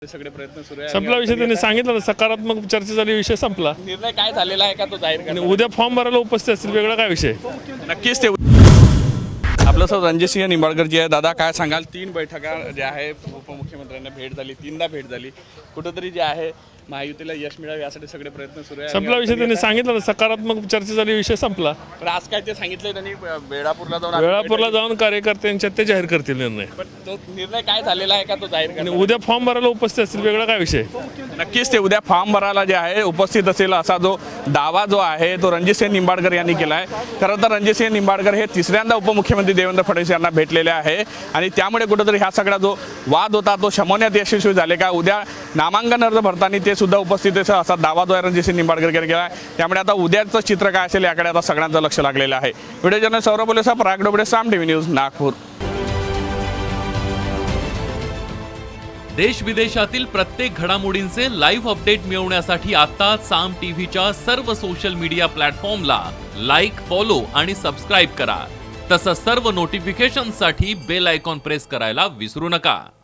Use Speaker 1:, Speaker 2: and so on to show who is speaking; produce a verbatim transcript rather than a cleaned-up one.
Speaker 1: सगळे प्रयत्न सुरू आहे.
Speaker 2: संपला विषय त्यांनी सांगितलं ना, सकारात्मक चर्चा झाली, विषय संपला.
Speaker 1: निर्णय काय झालेला आहे का तो जाहीर
Speaker 2: आणि
Speaker 1: करणार?
Speaker 2: उद्या फॉर्म भरायला उपस्थित असतील, वेगळा काय विषय.
Speaker 1: नक्कीच ते आपलं सर रणजितसिंह निंबाळकर जी आहे. दादा काय सांगाल, तीन बैठका ज्या आहे उपमुख्यमंत्र्यांना भेट झाली, तीनदा भेट झाली, कुठंतरी जे आहे महायुतीला यश मिळावे यासाठी सगळे प्रयत्न सुरू आहे.
Speaker 2: संपला विषय त्यांनी सांगितलं ना, सकारात्मक चर्चा झाली, विषय संपला.
Speaker 1: पण आज काय ते सांगितलंय त्यांनी वेळापूरला जाऊन
Speaker 2: वेळापूरला जाऊन कार्यकर्त्यांच्या ते जाहीर करतील निर्णय.
Speaker 1: पण तो निर्णय काय झालेला आहे का तो जाहीर
Speaker 2: आणि
Speaker 1: करणार?
Speaker 2: उद्या फॉर्म भरायला उपस्थित असतील, वेगळा काय विषय.
Speaker 1: नक्कीच ते उद्या फॉर्म भरायला जे आहे उपस्थित असेल असा जो दावा जो आहे तो रणजितसिंह निंबाळकर यांनी केला आहे. खरं तर रणजितसिंह निंबाळकर हे तिसऱ्यांदा उपमुख्यमंत्री देवेंद्र फडणवीस यांना भेटलेले आहे आणि त्यामुळे कुठेतरी हा सगळा जो वाद होता तो शमवण्यात यशस्वी झाले का. उद्या नामांकन अर्ज भरताना ते सुद्धा उपस्थित आहे असा दावा जो आहे रणजितसिंह निंबाळकर यांनी केला आहे. त्यामुळे आता उद्याचं चित्र काय असेल याकडे आता सगळ्यांचं लक्ष लागलेलं आहे. Video journalist Saurabh Bolesa, Parag Dobale, Saam TV news, Nagpur.
Speaker 3: देश विदेशातील प्रत्येक घडामोडींचे लाईव्ह अपडेट मिळवण्यासाठी आता साम टीव्हीच्या सर्व सोशल मीडिया प्लॅटफॉर्मला लाईक, फॉलो आणि सबस्क्राईब करा. तसंच सर्व नोटिफिकेशनसाठी बेल आयकॉन प्रेस करायला विसरू नका.